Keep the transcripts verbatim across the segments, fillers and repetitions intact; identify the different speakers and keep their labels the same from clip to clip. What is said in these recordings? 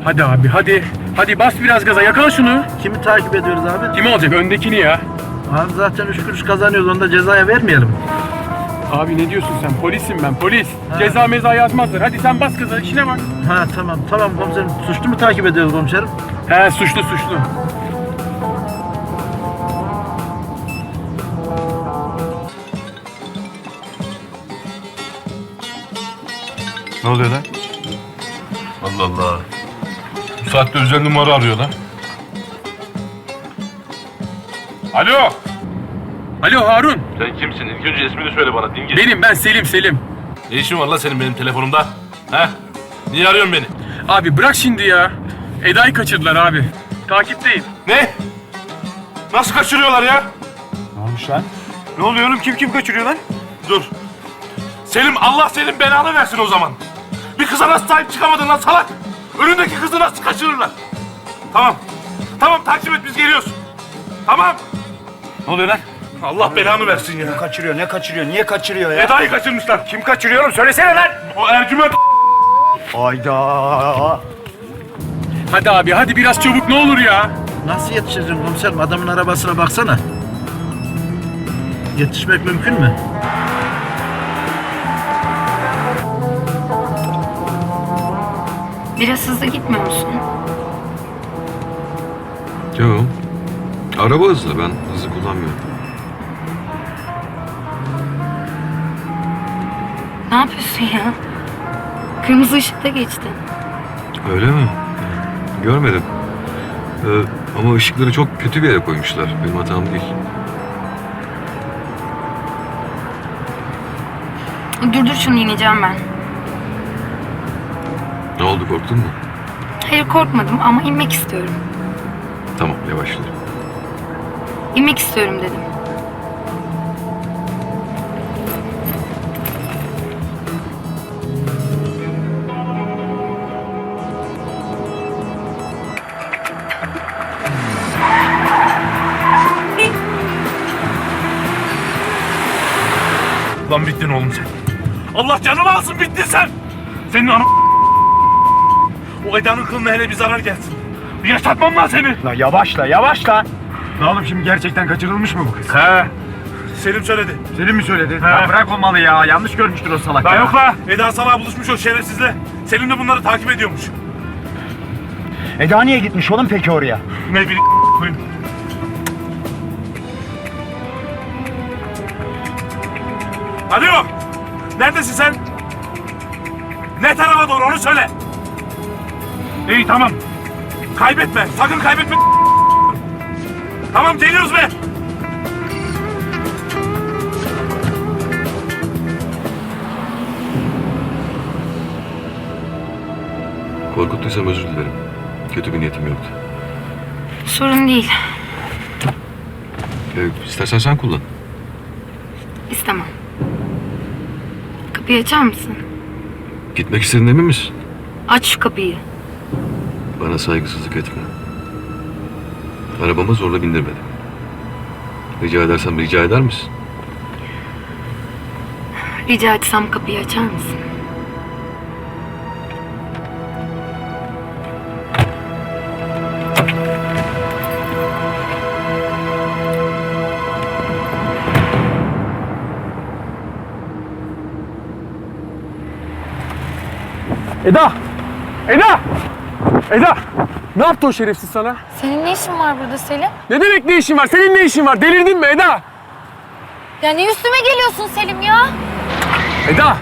Speaker 1: Hadi abi hadi. Hadi bas biraz gaza, yakala şunu.
Speaker 2: Kimi takip ediyoruz abi?
Speaker 1: Kim olacak? Öndekini ya.
Speaker 2: Abi zaten üç kuruş kazanıyoruz, onu da cezaya vermeyelim.
Speaker 1: Abi ne diyorsun sen? Polisim ben, polis.
Speaker 2: Ha.
Speaker 1: Ceza meza yazmazlar. Hadi sen bas gaza, işine bak.
Speaker 2: Ha tamam tamam komiserim. Suçlu mu takip ediyoruz komiserim?
Speaker 1: He suçlu suçlu.
Speaker 3: Ne oluyor lan? Allah Allah. Bu saatte özel numara arıyor lan. Alo.
Speaker 1: Alo Harun.
Speaker 3: Sen kimsin? İlk önce ismini söyle bana dingil.
Speaker 1: Benim ben Selim Selim.
Speaker 3: Ne işin var lan senin benim telefonumda? He? Niye arıyorsun beni?
Speaker 1: Abi bırak şimdi ya. Eda'yı kaçırdılar abi. Takipteyim.
Speaker 3: Ne? Nasıl kaçırıyorlar ya?
Speaker 4: Ne olmuş lan? Ne oluyor oğlum? Kim kim kaçırıyor lan?
Speaker 3: Dur. Selim, Allah senin belanı versin o zaman. Bir kıza nasıl sahip çıkamadın lan salak? Önündeki kızı nasıl kaçırırlar? Tamam. Tamam takip et, biz geliyoruz. Tamam.
Speaker 4: Ne oluyor lan?
Speaker 3: Allah belanı versin ya.
Speaker 4: Kaçırıyor, ne kaçırıyor? Niye kaçırıyor ya?
Speaker 3: Eda'yı kaçırmışlar.
Speaker 4: Kim kaçırıyor oğlum? Söylesene lan!
Speaker 3: O Ercüment.
Speaker 4: Hayda!
Speaker 1: Hadi abi hadi biraz çabuk ne olur ya.
Speaker 2: Nasıl yetişeceğim komiserim? Adamın arabasına baksana. Yetişmek mümkün mü?
Speaker 5: Biraz hızlı gitmiyor musun?
Speaker 6: Yok. Araba hızlı. Ben hızlı kullanmıyorum.
Speaker 5: Ne yapıyorsun ya? Kırmızı ışıkta geçtin.
Speaker 6: Öyle mi? Görmedim. Ee, ama ışıkları çok kötü bir yere koymuşlar. Benim hatam değil.
Speaker 5: Durdur şunu, ineceğim ben.
Speaker 6: Ne oldu, korktun mu?
Speaker 5: Hayır korkmadım ama inmek istiyorum.
Speaker 6: Tamam, yavaşla.
Speaker 5: İnmek istiyorum dedim.
Speaker 3: Lan bittin oğlum sen. Allah canımı alsın, bittin sen. Senin ana... O Eda'nın kılına hele bir zarar gelsin. Bir yaşatmam lan seni.
Speaker 4: La yavaşla, yavaşla! Ne oğlum şimdi gerçekten kaçırılmış mı bu kız?
Speaker 3: He. Selim söyledi.
Speaker 4: Senin mi söyledi?
Speaker 3: He.
Speaker 4: Ya bırak o malı ya, yanlış görmüştür o salak
Speaker 3: Daha
Speaker 4: ya.
Speaker 3: yok la. Eda sana buluşmuş o şerefsizle. Selim de bunları takip ediyormuş.
Speaker 4: Eda niye gitmiş oğlum peki oraya?
Speaker 3: Ne bileyim koyun. Alo. Neredesin sen? Ne tarafa doğru onu söyle. İyi tamam. Kaybetme. Sakın kaybetme. Tamam geliyoruz be.
Speaker 6: Korkuttuysam özür dilerim. Kötü bir niyetim yoktu.
Speaker 5: Sorun değil.
Speaker 6: Ee, istersen sen kullan.
Speaker 5: İstemem. Kapıyı açar mısın?
Speaker 6: Gitmek istediğin emin misin?
Speaker 5: Aç şu kapıyı.
Speaker 6: Bana saygısızlık etme. Arabama zorla bindirmedim. Rica edersem rica eder misin?
Speaker 5: Rica etsem kapıyı açar mısın?
Speaker 1: Eda! Eda! Eda! Ne yaptı o şerefsiz sana?
Speaker 7: Senin ne işin var burada Selim?
Speaker 1: Ne demek ne işin var? Senin ne işin var? Delirdin mi Eda?
Speaker 7: Ya niye üstüme geliyorsun Selim ya?
Speaker 1: Eda!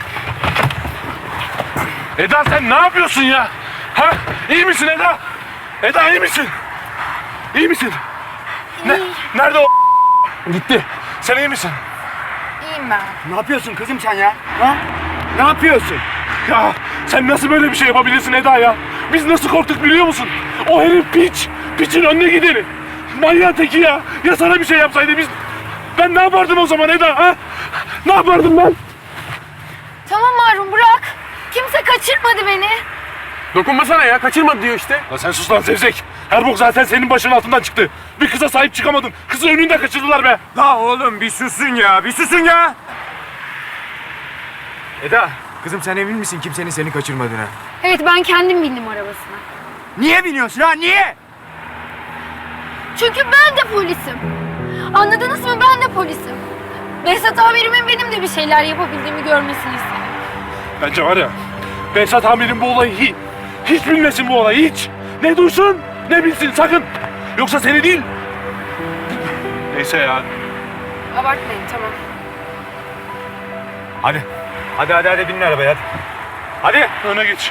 Speaker 3: Eda sen ne yapıyorsun ya? Ha? İyi misin Eda? Eda iyi misin? İyi misin? Ne? Nerede o?
Speaker 1: Gitti.
Speaker 3: Sen iyi misin?
Speaker 7: İyiyim ben.
Speaker 4: Ne yapıyorsun kızım sen ya? Ha? Ne yapıyorsun?
Speaker 3: Ya sen nasıl böyle bir şey yapabilirsin Eda ya? Biz nasıl korktuk biliyor musun? O herif piç. Piçin önüne gideni. Manyağın teki ya. Ya sana bir şey yapsaydı biz... Ben ne yapardım o zaman Eda ha? Ne yapardım ben?
Speaker 7: Tamam Harun bırak. Kimse kaçırmadı beni.
Speaker 1: Dokunmasana ya. Kaçırmadı diyor işte.
Speaker 3: Ya sen sus lan Zevzek. Her bok zaten senin başının altından çıktı. Bir kıza sahip çıkamadın. Kızı önünde kaçırdılar be.
Speaker 4: La oğlum bir susun ya, bir susun ya! Eda, kızım sen emin misin kimsenin seni kaçırmadığına?
Speaker 5: Evet, ben kendim bindim arabasına.
Speaker 4: Niye biniyorsun ha? Niye?
Speaker 7: Çünkü ben de polisim. Anladınız mı? Ben de polisim. Behzat amirimin benim de bir şeyler yapabildiğimi görmesini istedim.
Speaker 3: Bence var ya, Behzat amirim bu olayı hiç, hiç bilmesin bu olayı, hiç. Ne duysun, ne bilsin sakın. Yoksa seni değil. Neyse ya.
Speaker 5: Abartmayın, tamam.
Speaker 4: Hadi. Hadi hadi hadi binin arabaya hadi. Hadi.
Speaker 3: Öne geç.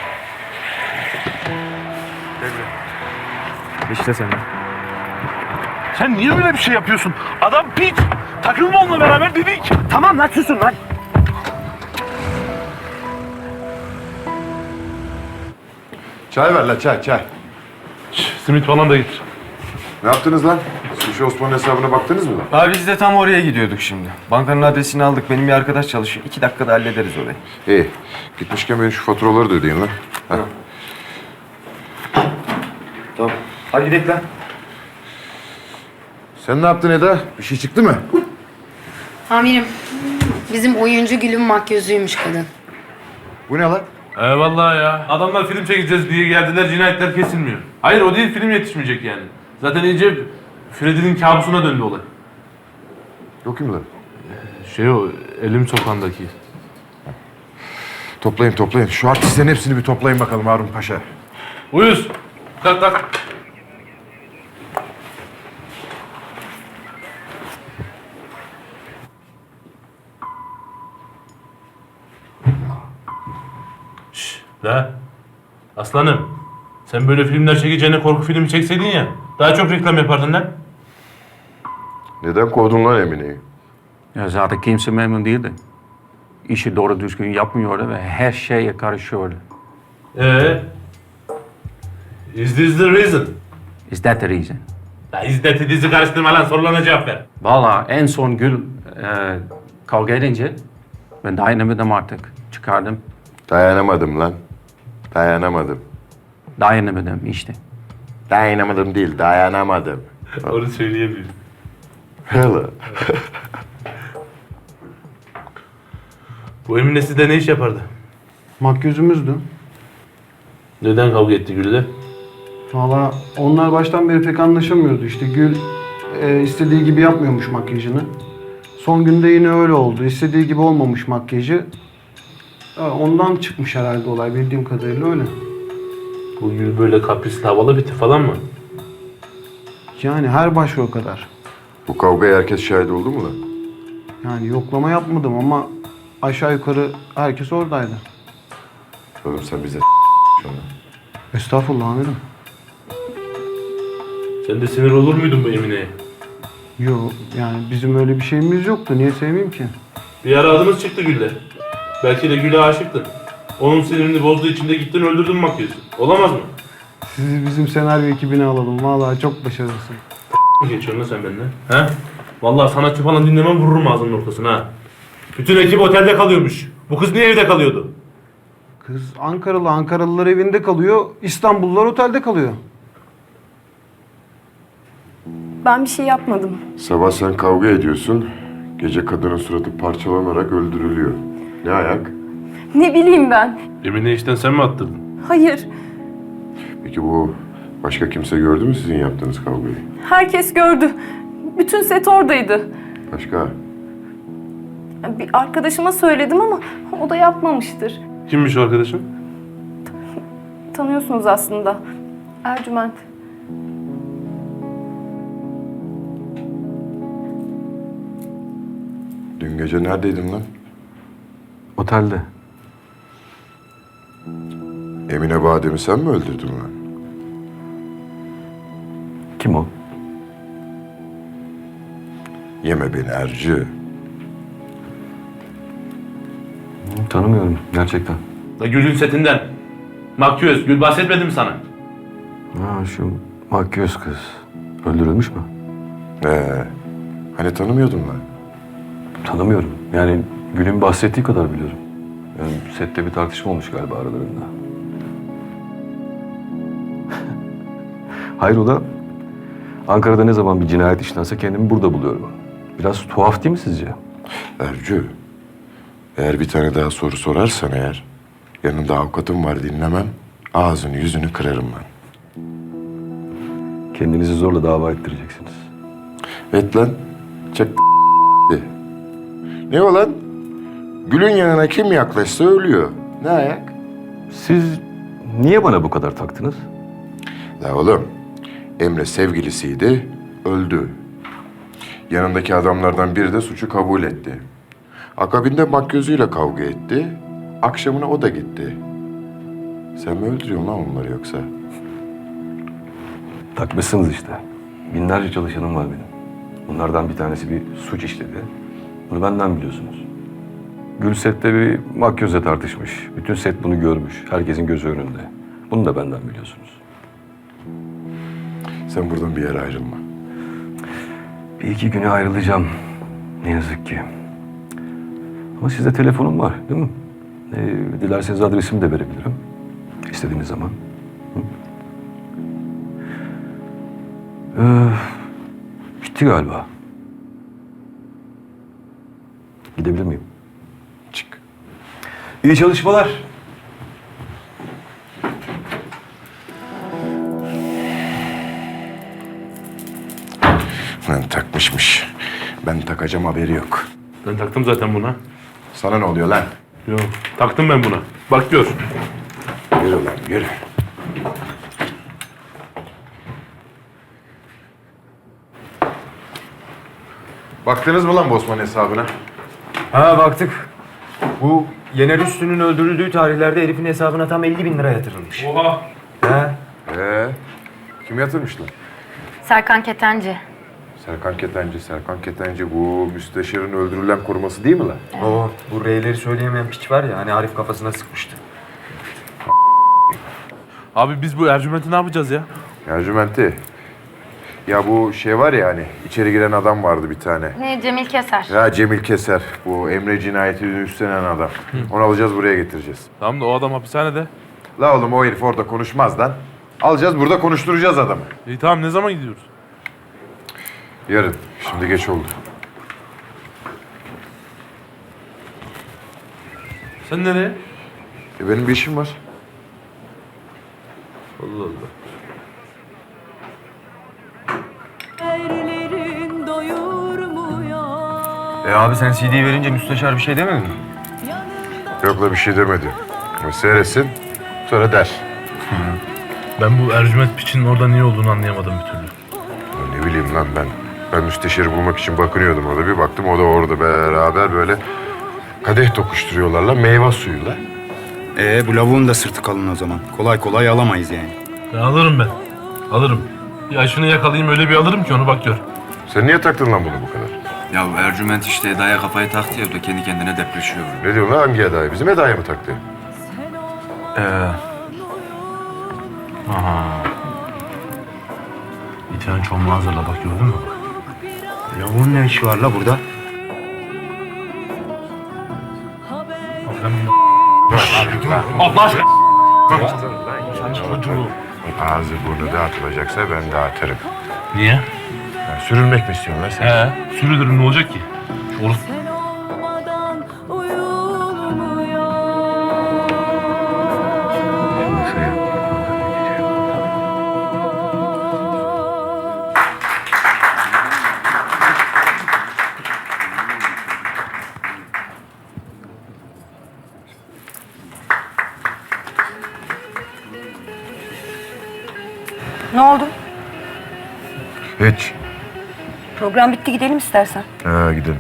Speaker 4: İşte sen.
Speaker 3: Sen niye böyle bir şey yapıyorsun? Adam piç. Takılma onunla beraber dedik.
Speaker 4: Tamam lan susun lan.
Speaker 8: Çay ver la çay çay.
Speaker 3: Simit falan da getir.
Speaker 8: Ne yaptınız lan? Sushi Osman'ın hesabına baktınız mı lan?
Speaker 9: Abi biz de tam oraya gidiyorduk şimdi. Bankanın adresini aldık. Benim bir arkadaş çalışıyor. İki dakikada hallederiz orayı.
Speaker 8: İyi. Gitmişken benim şu faturaları da ödeyin lan. Ha.
Speaker 9: Tamam. Hadi gidelim lan.
Speaker 8: Sen ne yaptın Eda? Bir şey çıktı mı?
Speaker 5: Amirim, bizim oyuncu Gül'ün makyözüymüş kadın.
Speaker 8: Bu ne lan?
Speaker 10: Eyvallah ya. Adamlar film çekeceğiz diye geldiler, cinayetler kesilmiyor. Hayır o değil, film yetişmeyecek yani. Zaten iyice Freddy'nin kabusuna döndü olay.
Speaker 8: Yok kim lan?
Speaker 10: Şey o, Elim Sokağı'ndaki.
Speaker 8: Toplayın toplayın. Şu artistlerin hepsini bir toplayın bakalım Harun Paşa.
Speaker 10: Uyuz. Kalk kalk. Şşş la. Aslanım. Sen böyle filmler çekeceğine korku filmi çekseydin ya. Daha çok reklam yapardın lan.
Speaker 8: Neden kovdun lan Emine'yi?
Speaker 11: Ya zaten kimse memnun değildi. İşi doğru düzgün yapmıyordu ve her şeye karışıyordu.
Speaker 10: Ee? Is this the reason?
Speaker 11: Is that the reason?
Speaker 10: Ya is that dizi karıştırma lan, sorularına cevap ver.
Speaker 11: Valla en son Gül e, kavga edince ben dayanamadım artık. Çıkardım.
Speaker 8: Dayanamadım lan. Dayanamadım.
Speaker 11: Dayanamadım işte.
Speaker 8: Dayanamadım değil, dayanamadım.
Speaker 10: Onu söyleyemiyorum.
Speaker 8: Hele.
Speaker 10: Bu Emine sizde ne iş yapardı?
Speaker 12: Makyözümüzdü.
Speaker 10: Neden kavga etti Gül'le?
Speaker 12: Valla onlar baştan beri pek anlaşamıyordu. İşte Gül e, istediği gibi yapmıyormuş makyajını. Son günde yine öyle oldu. İstediği gibi olmamış makyajı. E, ondan çıkmış herhalde olay, bildiğim kadarıyla öyle.
Speaker 10: Bu Gül böyle kaprisli, havalı bir tip falan mı?
Speaker 12: Yani her başka o kadar.
Speaker 8: Bu kavgaya herkes şahit oldu mu lan?
Speaker 12: Yani yoklama yapmadım ama aşağı yukarı herkes oradaydı.
Speaker 8: Oğlum sen bize şu an.
Speaker 12: Estağfurullah amirim.
Speaker 10: Sen de sinir olur muydun bu Emine'ye?
Speaker 12: Yok yani bizim öyle bir şeyimiz yoktu. Niye sevmeyeyim ki?
Speaker 10: Bir ara adımız çıktı Gül'le. Belki de Gül'e aşıktın. Onun sinirini bozduğu için de gittin öldürdün makyözü. Olamaz mı?
Speaker 12: Sizi bizim senaryo ekibine alalım. Vallahi çok başarılısın.
Speaker 10: Ne geçiyorsun lan sen benimle? He? Vallahi sanatçı falan dinlemem, vururum ağzının ortasına ha. Bütün ekip otelde kalıyormuş. Bu kız niye evde kalıyordu?
Speaker 12: Kız Ankaralı, Ankaralılar evinde kalıyor. İstanbullular otelde kalıyor.
Speaker 7: Ben bir şey yapmadım.
Speaker 8: Sabah sen kavga ediyorsun. Gece kadının suratı parçalanarak öldürülüyor. Ne ayak?
Speaker 7: Ne bileyim ben.
Speaker 10: Emine işten sen mi attırdın?
Speaker 7: Hayır.
Speaker 8: Peki bu başka kimse gördü mü sizin yaptığınız kavgayı?
Speaker 7: Herkes gördü. Bütün set oradaydı.
Speaker 8: Başka?
Speaker 7: Bir arkadaşıma söyledim ama o da yapmamıştır.
Speaker 10: Kimmiş o arkadaşın?
Speaker 7: Tanıyorsunuz aslında. Ercüment.
Speaker 8: Dün gece neredeydin lan?
Speaker 11: Otelde.
Speaker 8: Emine Badem'i sen mi öldürdün lan?
Speaker 11: Kim o?
Speaker 8: Yeme beni Ercü.
Speaker 11: Tanımıyorum gerçekten.
Speaker 10: Da Gül'ün setinden. Makyöz, Gül bahsetmedi mi sana?
Speaker 11: Ha şu makyöz kız. Öldürülmüş mü?
Speaker 8: Ee, hani tanımıyordun lan?
Speaker 11: Tanımıyorum. Yani Gül'ün bahsettiği kadar biliyorum. Yani sette bir tartışma olmuş galiba aralarında. Hayrola? Ankara'da ne zaman bir cinayet işlense kendimi burada buluyorum. Biraz tuhaf değil mi sizce?
Speaker 8: Ercü, eğer bir tane daha soru sorarsan eğer, Yanında avukatım var, dinlemem. Ağzını yüzünü kırarım ben.
Speaker 11: Kendinizi zorla dava ettireceksiniz.
Speaker 8: Evet lan. Çak Ne o lan? Gül'ün yanına kim yaklaşsa ölüyor. Ne ayak?
Speaker 11: Siz niye bana bu kadar taktınız?
Speaker 8: La oğlum, Emre sevgilisiydi, öldü. Yanındaki adamlardan biri de suçu kabul etti. Akabinde makyözüyle kavga etti. Akşamına o da gitti. Sen mi öldürüyorsun lan onları yoksa?
Speaker 11: Takmışsınız işte. Binlerce çalışanım var benim. Bunlardan bir tanesi bir suç işledi. Bunu benden biliyorsunuz. Gül sette bir makyöze tartışmış. Bütün set bunu görmüş. Herkesin gözü önünde. Bunu da benden biliyorsunuz.
Speaker 8: Sen buradan bir yere ayrılma.
Speaker 11: Bir iki güne ayrılacağım. Ne yazık ki. Ama sizde telefonum var değil mi? Ee, dilerseniz adresimi de verebilirim. İstediğiniz zaman. Hı? Ee, bitti galiba. Gidebilir miyim?
Speaker 8: Çık.
Speaker 11: İyi çalışmalar.
Speaker 8: Lan takmışmış. Ben takacağım, haberi yok.
Speaker 10: Ben taktım zaten buna.
Speaker 8: Sana ne oluyor lan?
Speaker 10: Yok, taktım ben buna. Bak gör.
Speaker 8: Yürü lan, yürü. Baktınız mı lan Bosman hesabına?
Speaker 9: Ha baktık. Bu Yener Üstü'nün öldürüldüğü tarihlerde herifin hesabına tam elli bin lira yatırılmış.
Speaker 10: Oha!
Speaker 9: He?
Speaker 8: Ee, kim yatırmış lan?
Speaker 5: Serkan Ketenci.
Speaker 8: Serkan Ketenci, Serkan Ketenci bu müsteşarın öldürülen koruması değil mi lan?
Speaker 9: O bu R'leri söyleyemeyen piç var ya hani Arif kafasına sıkmıştı.
Speaker 10: Abi biz bu Ercüment'i ne yapacağız ya?
Speaker 8: Ercüment'i. Ya bu şey var ya hani içeri giren adam vardı bir tane.
Speaker 5: Ne Cemil Keser.
Speaker 8: Ya Cemil Keser. Bu Emre cinayetini üstlenen adam. Onu alacağız, buraya getireceğiz.
Speaker 10: Tamam da o adam hapishanede.
Speaker 8: La oğlum o herif orada konuşmaz lan. Alacağız, burada konuşturacağız adamı.
Speaker 10: İyi tamam, ne zaman gidiyoruz?
Speaker 8: Yarın. Şimdi geç oldu.
Speaker 10: Sen nereye?
Speaker 8: E benim bir işim var.
Speaker 10: Allah Allah.
Speaker 9: E abi sen C D'yi verince müsteşar bir şey demedin mi?
Speaker 8: Yok la bir şey demedi. Ama seyretsin, sonra der.
Speaker 10: Ben bu Ercüment piçinin orada niye olduğunu anlayamadım bir türlü.
Speaker 8: Ya ne bileyim lan ben. Ben müsteşarı bulmak için bakınıyordum orada. Bir baktım o da orada beraber böyle kadeh tokuşturuyorlar la, meyve suyuyla.
Speaker 4: Ee bu lavuğun da sırtı kalın o zaman. Kolay kolay alamayız yani.
Speaker 10: Ben alırım ben. Alırım. Ya şunu yakalayayım, öyle bir alırım ki onu, bak gör.
Speaker 8: Sen niye taktın lan bunu bu kadar?
Speaker 9: Ya Ercüment işte Eda'ya kafayı taktı ya, o da kendi kendine depreşiyor.
Speaker 8: Ne diyorsun lan, hangi Eda'ya? Bizim Eda'ya mı taktı?
Speaker 10: Ee. Aha. Bir tane çomlu hazırla, bak gördün mü?
Speaker 4: Lavuğun ne işi var la burada?
Speaker 10: Allah aşkına.
Speaker 8: Ağzı burnu dağıtılacaksa ben dağıtırım.
Speaker 10: Niye?
Speaker 8: Ya, sürülmek mi istiyorsun lan sen?
Speaker 10: He, sürülürüm, ne olacak ki? Olur.
Speaker 5: Ne oldu?
Speaker 8: Hiç.
Speaker 5: Program bitti, gidelim istersen.
Speaker 8: Ha gidelim.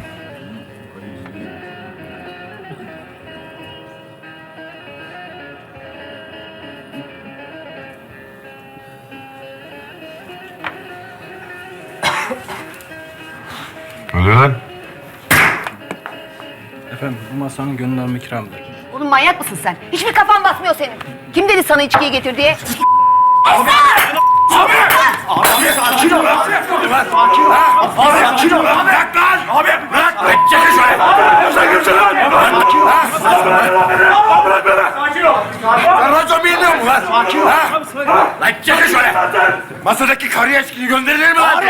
Speaker 8: Ne oluyor lan?
Speaker 4: Efendim bu masanın gönül ikramıdır.
Speaker 5: Oğlum manyak mısın sen? Hiçbir kafan basmıyor senin. Kim dedi sana içkiyi getir diye?
Speaker 3: Sen racon bilmiyor musun lan? Sakin ol. Lan çekil şöyle.
Speaker 4: Masadaki karıya eşkili gönderilir mi lan?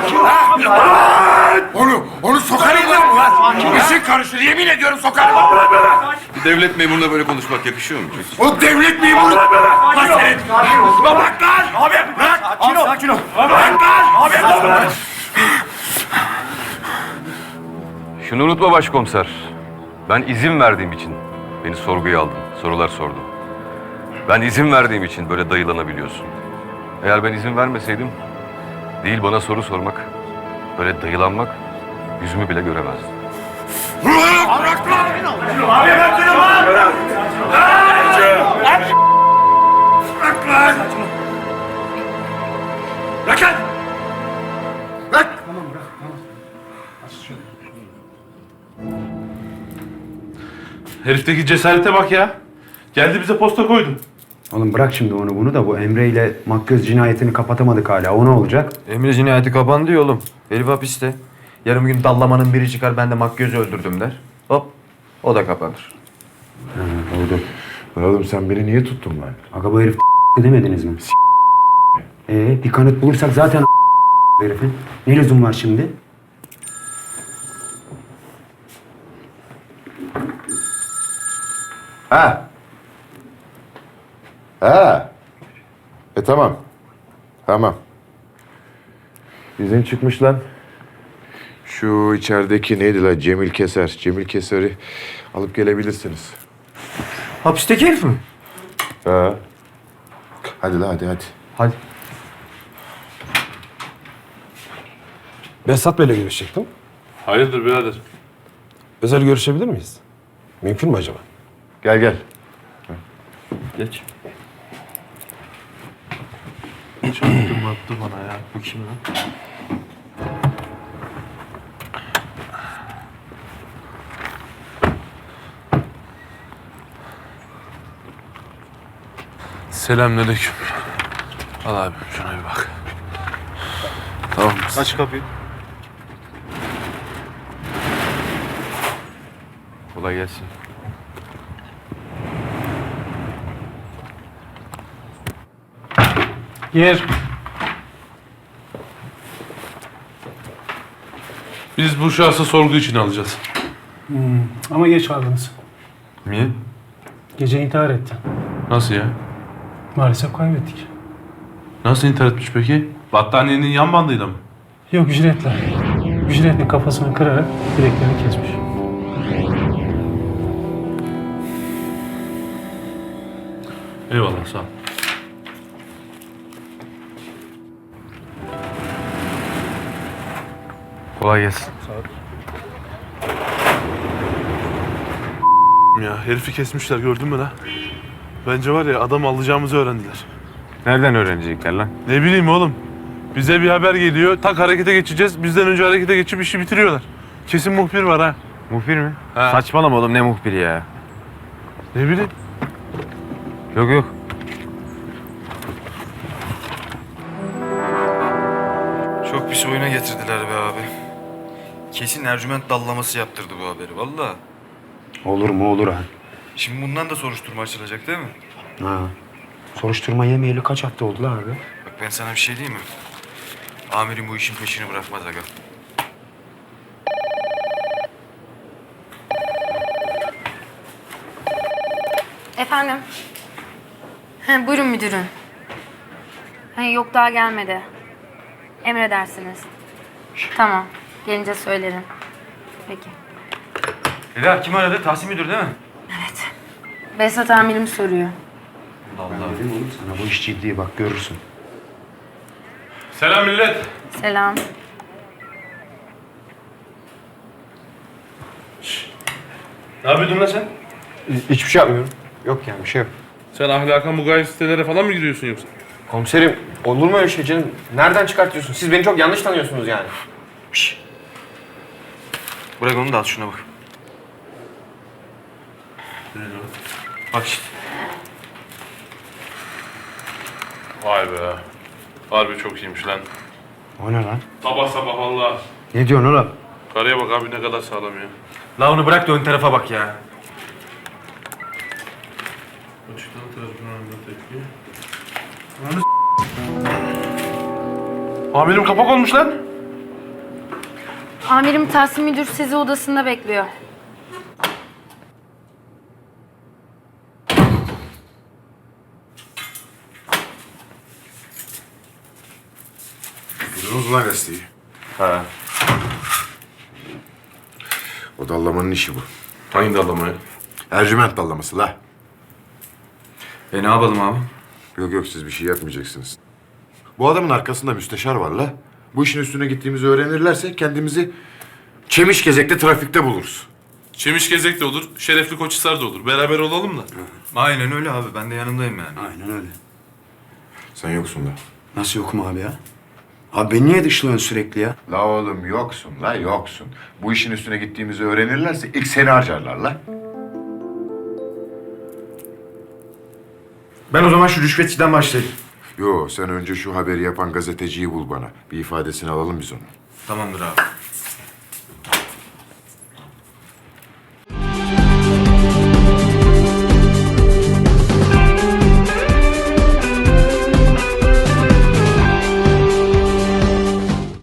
Speaker 4: Ha? Onu, onu sokarım lan ulan. İşin karışır, yemin ediyorum sokarım.
Speaker 6: Bir devlet memuruna böyle konuşmak yakışıyor mu?
Speaker 4: O devlet memuru. Lan senin. Bırak lan. Abi bırak. Sakin ol. Sakin ol. Bırak lan. Abi.
Speaker 11: Şunu unutma başkomiser. Ben izin verdiğim için beni sorguya aldın, sorular sordun. Ben izin verdiğim için böyle dayılanabiliyorsun. Eğer ben izin vermeseydim, değil bana soru sormak, böyle dayılanmak, yüzümü bile göremezdin.
Speaker 4: Bırak lan. Abi bırak lan. Bırak. Bırak lan. Bırak lan. Bırak.
Speaker 10: Herifteki cesarete bak ya. Geldi bize posta koydu.
Speaker 9: Oğlum bırak şimdi onu bunu da bu Emre ile Makyöz cinayetini kapatamadık hala. O ne olacak?
Speaker 13: Emre cinayeti kapandı ya oğlum. Herif hapiste. Yarın bir gün dallamanın biri çıkar ben de Makyöz'ü öldürdüm der. Hop o da kapanır.
Speaker 8: Ha, oldu. Oğlum sen beni niye tuttun lan?
Speaker 9: Aga bu herif demediniz mi? Ee, bir kanıt bulursak zaten herifin. Ne lüzum var şimdi?
Speaker 8: Ha. Ha. E tamam. Tamam. İzin çıkmış lan. Şu içerideki neydi lan? Cemil Keser. Cemil Keser'i alıp gelebilirsiniz.
Speaker 13: Hapisteki herif mi?
Speaker 8: Ha. Hadi lan hadi hadi.
Speaker 13: Hadi.
Speaker 1: Behzat Bey'le görüşecektim.
Speaker 10: Hayırdır birader?
Speaker 1: Özel görüşebilir miyiz? Mümkün mü acaba?
Speaker 8: Gel gel.
Speaker 13: Geç.
Speaker 10: Çarptım attı bana ya. Bu kim lan? Selamünaleyküm. Al abi şuna bir bak. Tamam mısın?
Speaker 13: Aç kapıyı.
Speaker 11: Kolay gelsin.
Speaker 1: Yer.
Speaker 10: Biz bu şahsı sorgu için alacağız.
Speaker 1: Hmm, ama geç kaldınız.
Speaker 10: Niye?
Speaker 1: Gece intihar etti.
Speaker 10: Nasıl ya?
Speaker 1: Maalesef kaybettik.
Speaker 10: Nasıl intihar etmiş peki? Battaniyenin yan bandıyla mı?
Speaker 1: Yok ücretle. Ücretle kafasını kırarak bileklerini kesmiş.
Speaker 10: Eyvallah sağ ol.
Speaker 11: Kolay gelsin.
Speaker 3: Ya herifi kesmişler gördün mü lan? Bence var ya adam alacağımızı öğrendiler.
Speaker 4: Nereden öğrenecekler lan?
Speaker 3: Ne bileyim oğlum. Bize bir haber geliyor. Tak harekete geçeceğiz. Bizden önce harekete geçip işi bitiriyorlar. Kesin muhbir var ha.
Speaker 4: Muhbir mi?
Speaker 3: Ha.
Speaker 4: Saçmalama oğlum ne muhbiri ya.
Speaker 3: Ne bileyim.
Speaker 4: Yok yok.
Speaker 13: Çok pis oyuna getirdiler be abi. Kesin Ercüment dallaması yaptırdı bu haberi valla.
Speaker 9: Olur mu olur ha.
Speaker 13: Şimdi bundan da soruşturma açılacak değil mi?
Speaker 9: Ha. Soruşturma yemeyeli kaç hafta oldu la abi?
Speaker 13: Bak ben sana bir şey diyeyim mi? Amirim bu işin peşini bırakmaz aga.
Speaker 7: Efendim? He, buyurun müdürüm. He, yok daha gelmedi. Emredersiniz. Tamam. Gelince söylerim. Peki.
Speaker 13: Eda kim aradı? Tahsin müdür değil mi?
Speaker 7: Evet. Behzat amirim soruyor.
Speaker 9: Ben dedim oğlum sana bu iş ciddi bak görürsün.
Speaker 10: Selam millet.
Speaker 7: Selam.
Speaker 3: Ne yapıyordun lan sen?
Speaker 4: Hiçbir şey yapmıyorum. Yok yani bir şey yok.
Speaker 10: Sen ahlaka mugayip sitelere falan mı giriyorsun yoksa?
Speaker 4: Komiserim olur mu öyle şey canım? Nereden çıkartıyorsun? Siz beni çok yanlış tanıyorsunuz yani.
Speaker 13: Şşş. Bırak onu da al şuna bak. Bak işte.
Speaker 10: Vay be. Harbi çok iyiymiş lan.
Speaker 9: O ne lan?
Speaker 10: Sabah sabah valla.
Speaker 9: Ne diyorsun oğlum?
Speaker 10: Karıya bak abi ne kadar sağlam ya.
Speaker 13: La onu bırak da ön tarafa bak ya.
Speaker 10: Açıktan tarafından tepki.
Speaker 3: Amirim kapak olmuş lan.
Speaker 7: Amirim Tahsin Müdür sizi odasında bekliyor.
Speaker 8: Duydunuz mu lan gazeteyi?
Speaker 3: Ha.
Speaker 8: O dallamanın işi bu.
Speaker 3: Hangi dallamayı?
Speaker 8: Ercüment dallaması la.
Speaker 9: E ne yapalım abi?
Speaker 8: Yok yok siz bir şey yapmayacaksınız. Bu adamın arkasında müsteşar var la. Bu işin üstüne gittiğimizi öğrenirlerse kendimizi Çemişgezek'te trafikte buluruz.
Speaker 10: Çemişgezek de olur, Şerefli Koçhisar da olur. Beraber olalım da.
Speaker 9: Aynen öyle abi. Ben de yanındayım yani.
Speaker 4: Aynen öyle.
Speaker 8: Sen yoksun da.
Speaker 4: Nasıl yokum abi ya? Abi beni niye dışlıyorsun sürekli ya?
Speaker 8: La oğlum yoksun la yoksun. Bu işin üstüne gittiğimizi öğrenirlerse ilk seni harcarlar la.
Speaker 13: Ben o zaman şu rüşvetçiden başlayayım.
Speaker 8: Yo sen önce şu haberi yapan gazeteciyi bul bana. Bir ifadesini alalım biz onu.
Speaker 9: Tamamdır abi.